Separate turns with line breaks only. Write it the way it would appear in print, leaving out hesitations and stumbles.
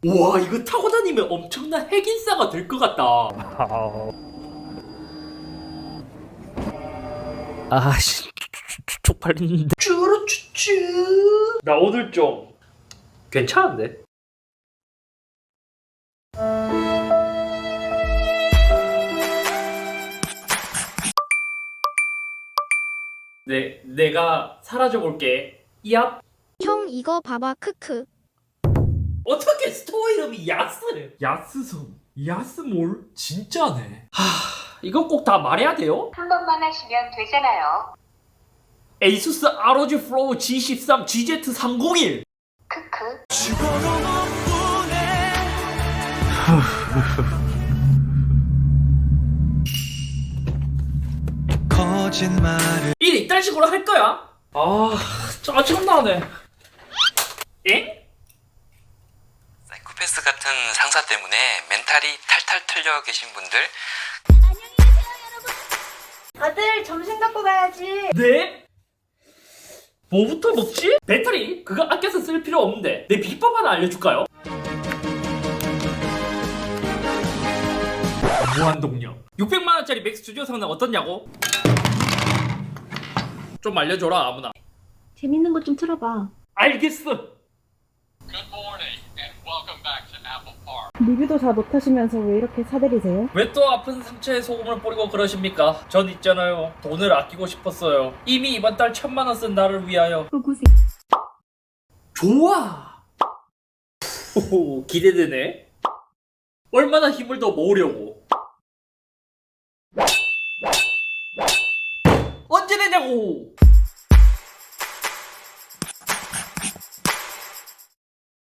와, 이거 타고 다니면 엄청난 핵인싸가 될 것 같다. 아씨, 쪽팔리는데. 쭈루쭈쭈. 나 오늘 좀 괜찮은데? 내가 사라져 볼게. 얍.
형 이거 봐봐 크크.
어떻게 스토어 이름이 야스? 야스섬, 야스몰? 진짜네. 이거 꼭 다 말해야 돼요?
한 번만 하시면 되잖아요.
에이수스 ROG Flow G13 GZ301.
크크.
거짓말을
일 이딴 식으로 할 거야? 아, 짜증나네. 엥?
사이코패스 같은 상사 때문에 멘탈이 탈탈 털려 계신 분들,
다들 점심 갖고 가야지.
네? 뭐부터 먹지? 배터리? 그거 아껴서 쓸 필요 없는데 내 비법 하나 알려줄까요? 무한동력 600만원짜리 맥스 스튜디오 성능 어떻냐고? 좀 알려줘라 아무나.
재밌는 거 좀 틀어봐.
알겠어.
리뷰도 잘 못하시면서 왜 이렇게 사들이세요?
왜 또 아픈 상처에 소금을 뿌리고 그러십니까? 전 있잖아요, 돈을 아끼고 싶었어요. 이미 이번 달 1000만원 쓴 나를 위하여.
고생.
좋아. 호호, 기대되네. 얼마나 힘을 더 모으려고. 언제 되냐고.